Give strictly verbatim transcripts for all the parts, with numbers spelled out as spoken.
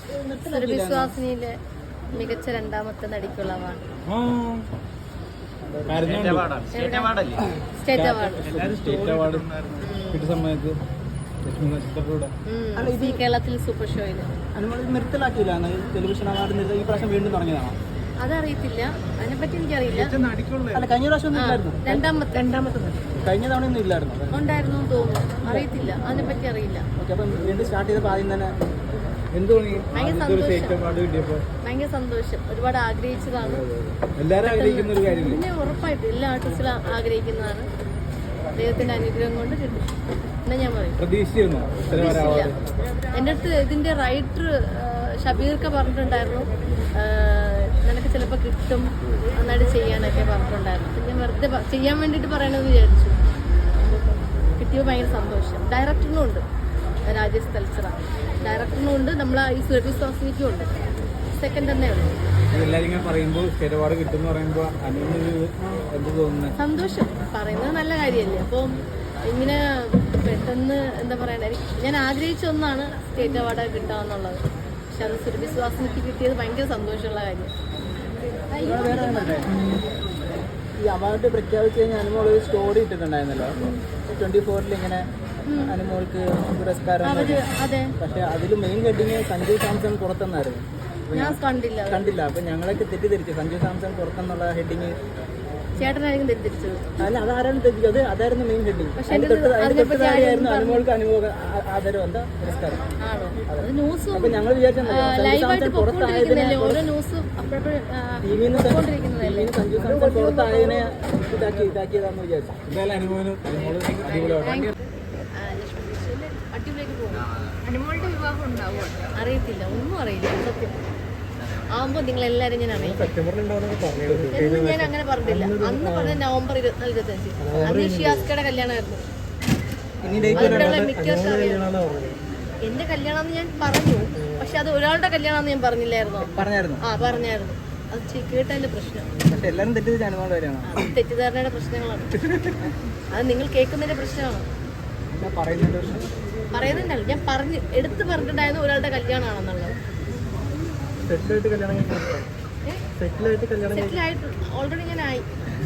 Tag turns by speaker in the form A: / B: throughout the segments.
A: സുരഭിശ്വാസിനിയിലെ മികച്ച രണ്ടാമത്തെ നടിക്കുള്ള അവാർഡ്. സ്റ്റേറ്റ് അവാർഡ് കേരളത്തിൽ സൂപ്പർ ഷോയില്
B: നിർത്തലാക്കിയില്ല. ടെലിവിഷൻ അവാർഡ് ഈ പ്രാവശ്യം വീണ്ടും തുടങ്ങിയതാണോ?
A: അതറിയത്തില്ല, അതിനെപ്പറ്റി എനിക്കറിയില്ല.
B: അല്ല, കഴിഞ്ഞ പ്രാവശ്യം
A: രണ്ടാമത്തെ രണ്ടാമത്തെ
B: കഴിഞ്ഞ തവണ ഒന്നും ഇല്ലായിരുന്നു.
A: ഉണ്ടായിരുന്നു തോന്നുന്നു, അറിയത്തില്ല, അതിനെപ്പറ്റി അറിയില്ല.
B: ഓക്കെ, അപ്പം വീണ്ടും സ്റ്റാർട്ട് ചെയ്തപ്പോൾ ആദ്യം തന്നെ
A: ഭയങ്കര സന്തോഷം. ഒരുപാട് ആഗ്രഹിച്ചതാണ്. പിന്നെ ഉറപ്പായിട്ട് എല്ലാ ആർട്ടിസ്റ്റുകളും ആഗ്രഹിക്കുന്നതാണ്. ദൈവത്തിന്റെ അനുഗ്രഹം കൊണ്ട് കിട്ടും എന്നാ ഞാൻ പറയും. എൻ്റെ അടുത്ത് ഇതിന്റെ റൈറ്റർ ഷബീർക്ക പറഞ്ഞിട്ടുണ്ടായിരുന്നു, നിനക്ക് ചിലപ്പോൾ കിട്ടും, നന്നായിട്ട് ചെയ്യാനൊക്കെ പറഞ്ഞിട്ടുണ്ടായിരുന്നു. അപ്പം ഞാൻ വെറുതെ ചെയ്യാൻ വേണ്ടിയിട്ട് പറയണമെന്ന് വിചാരിച്ചു. കിട്ടിയപ്പോൾ ഭയങ്കര സന്തോഷം. ഡയറക്ടറിനും ഉണ്ട്, രാജേഷ് തൽസറ ഡയറക്ടറിനും ഉണ്ട്, നമ്മളെ ഈ സുരഭിശ്വാസിനിക്കും ഉണ്ട്. സെക്കൻഡ് തന്നെ ഉള്ളൂ. സന്തോഷം പറയുന്നത് നല്ല കാര്യമല്ലേ. അപ്പം ഇങ്ങനെ പെട്ടെന്ന് എന്താ പറയണ, ഞാൻ ആഗ്രഹിച്ച ഒന്നാണ് സ്റ്റേറ്റ് അവാർഡ് കിട്ടാന്നുള്ളത്. പക്ഷെ അത് സുരഭിശ്വാസിനിക്ക് കിട്ടിയത് ഭയങ്കര സന്തോഷമുള്ള കാര്യം.
B: ഈ അവാർഡ് പ്രഖ്യാപിച്ചു കഴിഞ്ഞാൽ അനുമോൾ ഒരു സ്റ്റോറി ഇട്ടിട്ടുണ്ടായിരുന്നല്ലോ ട്വന്റി ഫോറിൽ ഇങ്ങനെ അനുമോൾക്ക് പുരസ്കാരം. പക്ഷെ അതിൽ മെയിൻ ഹെഡിങ് സഞ്ജു സാംസൺ പുറത്തെന്നായിരുന്നു.
A: കണ്ടില്ല
B: കണ്ടില്ല അപ്പൊ ഞങ്ങളൊക്കെ തെറ്റിദ്ധരിച്ചു സഞ്ജു സാംസൺ പുറത്തെന്നുള്ള ഹെഡിങ്.
A: ചേട്ടനായിരിക്കും തെറ്റിദ്ധരിച്ചത്.
B: അല്ല, അതാരാണ് തെറ്റിച്ചത്? അത് അതായിരുന്നു മെയിൻ ഹെഡിങ്. ആയിരുന്നു അനുമോൾക്ക് അനുമോക ആദരവ് എന്താ പുരസ്കാരം. അപ്പൊ ഞങ്ങൾ വിചാരിച്ചു പുറത്തായതിനെ ടീമിന്ന് സഞ്ജു സാംസൺ പുറത്തായതിനെ ഇതാക്കി ഇതാക്കിയതാന്ന് വിചാരിച്ചു.
A: അടിപൊളിയായിട്ട് പോകും. അനുമോളുടെ വിവാഹം ഉണ്ടാവുക അറിയത്തില്ല, ഒന്നും അറിയില്ല. സത്യം ആവുമ്പോൾ നിങ്ങളെല്ലാവരും ഞാൻ അറിയിക്കും എന്ന് ഞാൻ അങ്ങനെ പറഞ്ഞില്ല. അന്ന് പറഞ്ഞ നവംബർ ഇരുപത്തിനാല് ഇരുപത്തഞ്ച് അന്ന് ഷിയാസ്കയുടെ കല്യാണമായിരുന്നു. മിക്കവർക്കും അറിയാം എന്റെ കല്യാണം ഞാൻ പറഞ്ഞു, പക്ഷെ അത് ഒരാളുടെ കല്യാണം ഞാൻ പറഞ്ഞില്ലായിരുന്നോ?
B: പറഞ്ഞായിരുന്നു.
A: ആ പറഞ്ഞായിരുന്നു. അത് കേട്ടതിന്റെ പ്രശ്നം. തെറ്റിദ്ധാരണയുടെ പ്രശ്നങ്ങളാണ്. അത് നിങ്ങൾ കേൾക്കുന്നതിന്റെ പ്രശ്നമാണ്. പറയുന്നുണ്ടല്ലോ, ഞാൻ പറഞ്ഞ് എടുത്ത് പറഞ്ഞിട്ടുണ്ടായിരുന്നു ഒരാളുടെ കല്യാണമാണെന്നുള്ളത്. സെറ്റിലായിട്ട് ഓൾറെഡി ഞാൻ ആയി.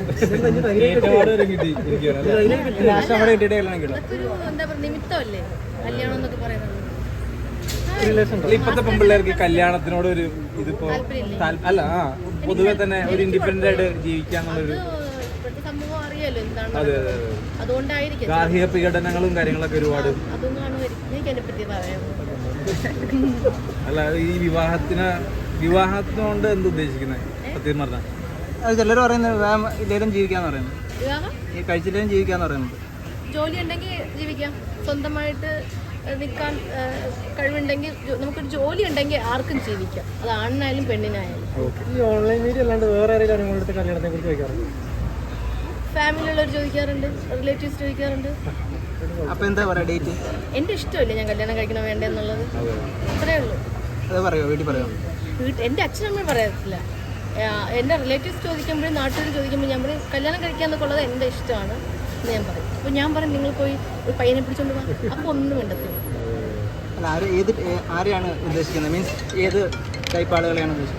A: അതൊരു എന്താ പറയുക നിമിത്തമല്ലേ കല്യാണം എന്നൊക്കെ പറയുന്നത്.
C: ഇപ്പത്തെ പെൺപിള്ളേർക്ക് കല്യാണത്തിനോട് ഒരു ഇതിപ്പോ അല്ല ആ പൊതുവെ തന്നെ ഒരു ഇൻഡിപെൻഡന്റ് ആയിട്ട് ജീവിക്കാന്നുള്ളൊരു
A: സംഭവം അറിയാലോ എന്താണ്. അതുകൊണ്ടായിരിക്കും
C: ഗാർഹിക പീഡനങ്ങളും കാര്യങ്ങളൊക്കെ ഒരുപാട്.
A: അതൊന്നും എനിക്ക് അതിനെ പറ്റി പറയാം.
C: അല്ല, ഈ വിവാഹത്തിന് വിവാഹത്തിനോണ്ട് എന്ത് ഉദ്ദേശിക്കുന്നത് സത്യം പറഞ്ഞാൽ?
B: അത് ചിലർ പറയുന്നത് ഇല്ലേലും ജീവിക്കാന്ന് പറയുന്നത്, ഈ കഴിച്ചില്ലേലും ജീവിക്കാന്ന് പറയുന്നത്.
A: ജോലി ഉണ്ടെങ്കിൽ ജീവിക്കാം, സ്വന്തമായിട്ട് നിൽക്കാൻ കഴിവുണ്ടെങ്കിൽ നമുക്കൊരു ജോലി ഉണ്ടെങ്കിൽ ആർക്കും ജീവിക്കാം, അത് ആണിനായാലും പെണ്ണിനായാലും.
B: ഈ ഓൺലൈൻ മീഡിയ അല്ലാണ്ട് വേറെ ആരെങ്കിലും കല്യാണത്തെ കുറിച്ച് ചോദിക്കാറുണ്ട്?
A: ഫാമിലിയുള്ളവർ ചോദിക്കാറുണ്ട്, റിലേറ്റീവ്സ് ചോദിക്കാറുണ്ട്.
B: അപ്പൊ എന്താ പറയാ ഡേറ്റ്?
A: എന്റെ ഇഷ്ടമല്ലേ ഞാൻ കല്യാണം കഴിക്കണം വേണ്ട എന്നുള്ളത്, അത്രേ ഉള്ളൂ.
B: അത് പറയോ വീട്ടിൽ പറയോ?
A: വീട്ടിൽ എൻ്റെ അച്ഛനമ്മയും പറയത്തില്ല. എൻ്റെ റിലേറ്റീവ്സ് ചോദിക്കുമ്പോഴും നാട്ടുകാർ ചോദിക്കുമ്പോൾ ഞാൻ പറയും കല്യാണം കഴിക്കാന്നൊക്കെ ഉള്ളത് എൻ്റെ ഇഷ്ടമാണ് എന്ന് ഞാൻ പറയും. അപ്പോൾ ഞാൻ പറയും നിങ്ങൾ പോയി ഒരു പയ്യനെ പിടിച്ചോണ്ട് പോകാം, അപ്പോൾ ഒന്നും വേണ്ടത്തില്ല.
B: അല്ല, ആര് ഏത് ആരെയാണ് ഉദ്ദേശിക്കുന്നത്? മീൻസ് ഏത് ടൈപ്പ് ആളുകളെയാണ് ഉദ്ദേശിക്കുന്നത്?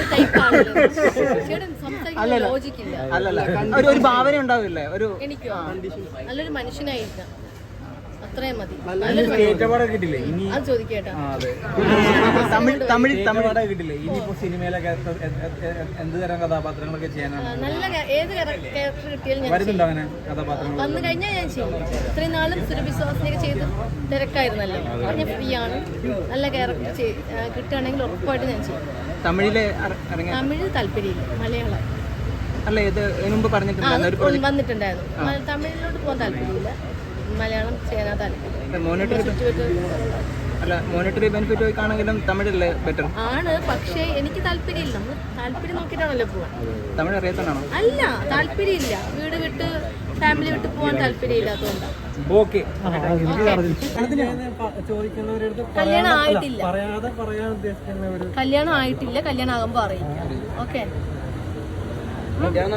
B: അല്ലല്ല, ഒരു ഭാവന ഉണ്ടാവില്ലേ? ഒരു
A: എനിക്കോ നല്ലൊരു മനുഷ്യനായിരിക്കാം, അത്രയും മതി. അത് ചോദിക്കേട്ടാ.
B: തമിഴ് തമിഴ് തമിഴ്
C: കിട്ടില്ലേ ഇനിയിപ്പോ സിനിമയിലൊക്കെ എന്ത് തരം കഥാപാത്രങ്ങളൊക്കെ ചെയ്യാനാണ്?
A: നല്ല ഏത് ക്യാരക്ടർ കിട്ടിയാലും
C: വരുന്നുണ്ടോ അങ്ങനെ കഥാപാത്രങ്ങൾ?
A: വന്നു കഴിഞ്ഞാൽ ഞാൻ ചെയ്യും. ഇത്രയും നാളും സുരഭിശ്വാസിനൊക്കെ ചെയ്ത് തിരക്കായിരുന്നല്ലോ, ഞാൻ ഫ്രീ ആണ്. നല്ല ക്യാരക്ടർ കിട്ടുകയാണെങ്കിൽ ഉറപ്പായിട്ട് ഞാൻ ചെയ്യും.
B: തമിഴിലെ
A: തമിഴ് താല്പര്യമില്ല, മലയാളം.
B: അല്ല, ഇത് മുമ്പ് പറഞ്ഞിട്ടുണ്ടായിരുന്നു
A: വന്നിട്ടുണ്ടായിരുന്നു. തമിഴിലോട്ട് പോകാൻ താല്പര്യമില്ല, മലയാളം ചെയ്യാൻ താല്പര്യം.
B: അല്ല, മോണിറ്ററി ബെനിഫിറ്റ് ആണെങ്കിലും തമിഴല്ലേ ബെറ്റർ
A: ആണ്. പക്ഷേ എനിക്ക് താല്പര്യമില്ല, നമ്മൾ താല്പര്യം നോക്കിയിട്ടാണല്ലോ പോവാൻ.
B: തമിഴ് അറിയാത്തതാണോ?
A: അല്ല, താല്പര്യമില്ല. വീട് വിട്ട് ഫാമിലി വിട്ട് പോകാൻ താല്പര്യമില്ലാത്തതുകൊണ്ടാണ്. കല്യാണം ആയിട്ടില്ല, കല്യാണം ആയിട്ടില്ല. കല്യാണം ആകുമ്പോൾ അറിയിക്കാം. ഓക്കെ.